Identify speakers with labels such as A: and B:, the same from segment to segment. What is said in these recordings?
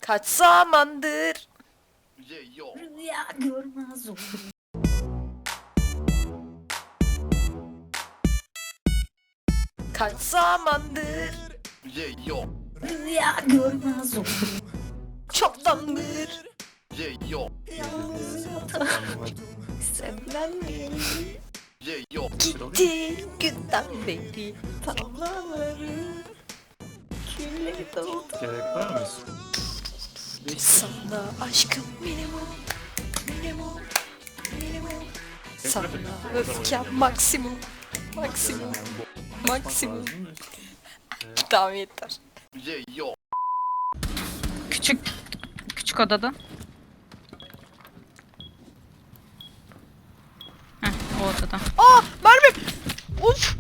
A: Kaç zamandır
B: Yo.
C: Rüya görmez oldum.
A: kaç zamandır
B: Yo.
C: Rüya görmez oldum.
A: çoktandır
B: Yo.
C: Yalnız yatar.
A: sevlendim
B: Yo.
A: gitti günden beri tavlaları külleri doldu
D: Gerek var mı?
A: sana aşkım minimum minimum minimum sana öfkem maksimum maksimum maksimum tamam yeter.
B: Yo.
E: Küçük odada. Heh, o odada.
A: Aa mermi uf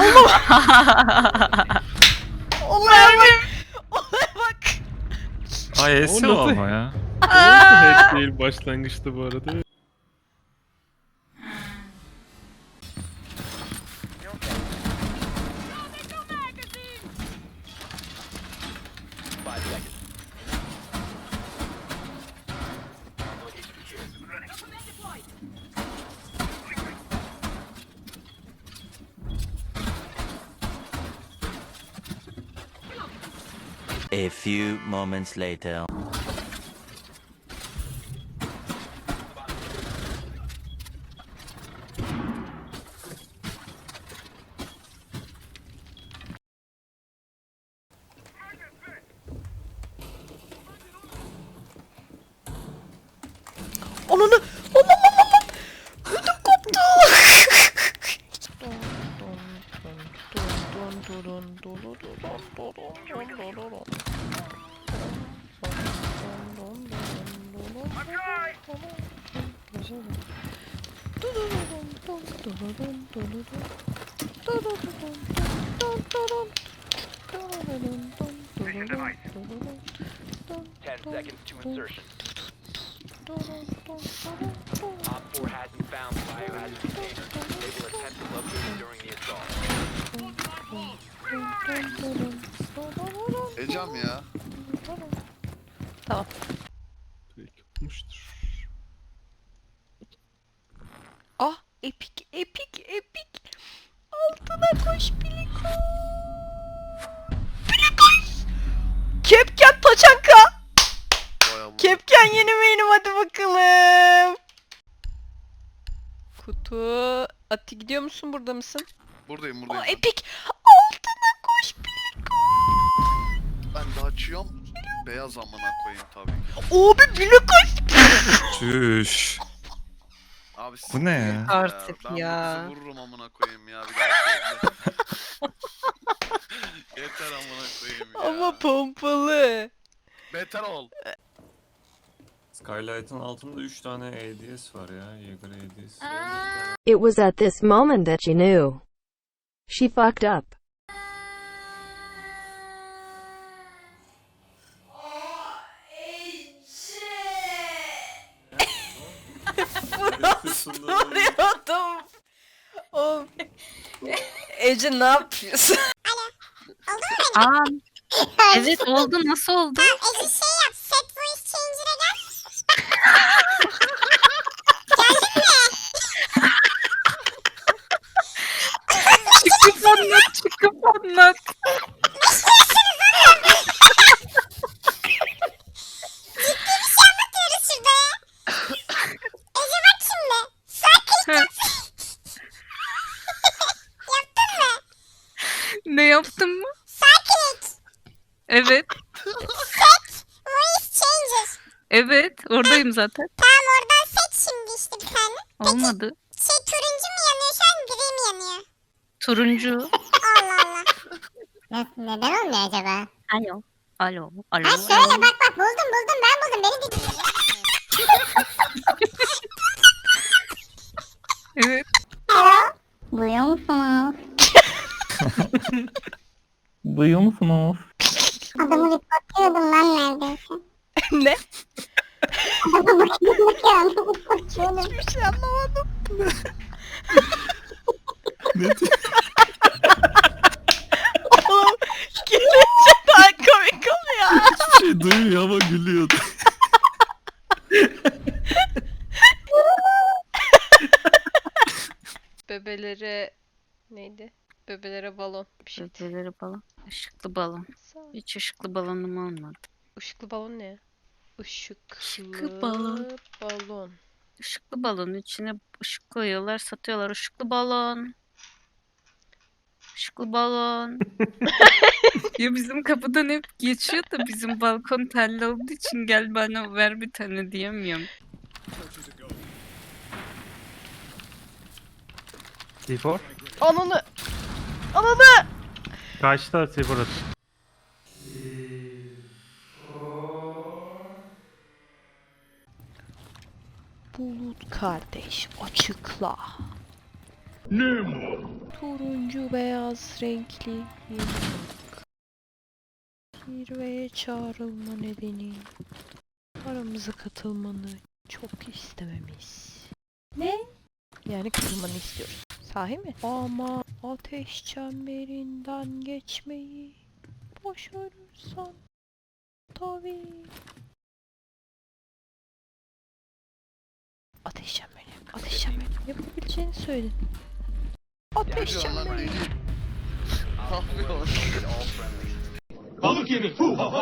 A: olaya bak olaya bak
D: Ay
F: O
D: esi
F: nasıl-
D: ama ya.
F: O nasıl hack değil başlangıçta bu arada?
G: A few moments later.
A: Onunu ödüm koptu.
H: Ten seconds to insertion. Op 4 hasn't found the biohazard container. They will attempt to locate it during the assault.
B: Ecem ya.
F: Direkt yapmıştır.
A: Ah epik epik epik. Altına koş Biliko. Bilikoş. Kepken taçanka.
B: Vay Allah.
A: Kepken yeni benim hadi bakalım. Kutu. Ati gidiyor musun burada mısın?
B: Buradayım
A: O
B: buradayım.
A: epik. Altına koş Biliko.
B: Ben de açıyorum. Beyaz amına koyayım tabii ki.
A: Abi Bilikoş.
D: Çüş.
B: Abi
D: Bu ne ya?
E: Artık
B: Ben
E: ya.
B: bu kızı vururum amına koyayım ya bir daha. Yeter amına koyayım ya.
A: Ama pompalı.
B: Beter ol.
D: Skylight'ın altında 3 tane ADS var ya. Jaeger ADS.
I: It was at this moment that she knew. She fucked up.
A: Vuruyordum. Oğlum. Ece ne yapıyorsun?
E: Aa, evet oldu. Nasıl oldu?
J: Ece şey yap, set voice changer'a gel.
E: Çıkıp anlat, çıkıp anlat.
J: Anlatıyoruz şurada ya. Ece bak şimdi. Sakin. Yaptın mı?
E: Ne yaptın mı?
J: Sakin.
E: Evet.
J: Set voice changer.
E: Evet. Oradayım zaten.
J: Tamam oradan seç şimdi işte bir tane.
E: Olmadı.
J: Şey turuncu mu yanıyor şu an gri mi yanıyor?
E: Turuncu.
J: Allah Allah. Neden olmuyor acaba?
E: Alo. Alo. Alo.
J: Ha şöyle bak buldum ben buldum. Beni dinle.
E: Evet.
J: Duyuyor musunuz?
F: Duyuyor musunuz?
J: Adamı reportluyordum lan neredeyse.
A: Ne?
J: Adamı bakıyordum.
A: Hiçbir şey anlamadım. Oğlum gelince daha komik oluyor.
D: Hiçbir şey
F: Söylemiyor ama gülüyordu.
A: Bebelere neydi? Bebelere balon bir şey.
E: Bebeleri balon. Işıklı balon. Hiç ışıklı balonum olmadı.
A: Işıklı balon ne? Işıklı
E: Işıklı balon.
A: balon.
E: Işıklı balonun içine ışık koyuyorlar, satıyorlar. Işıklı balon. Işıklı balon. Ya bizim kapıdan hep geçiyor da bizim balkon telli olduğu için gel bana ver bir tane diyemiyorum.
F: T4?
A: Ananı! Ananı!
F: Kaçta T4 at?
A: Bulut kardeş açıkla. Turuncu beyaz renkli yıldızlık. Zirveye çağrılma nedeni. Aramıza katılmanı çok istememiz. Ne? Yani katılmanı istiyoruz. Sahi mi? Ama ateş çemberinden geçmeyi başarırsan tabii. Ateş çemberi. Ateş çemberi. Yapabileceğini söyledin. Ateş
B: Lan
A: çemberi.
B: deli. Ne yapıyorsun?
H: All friendlies.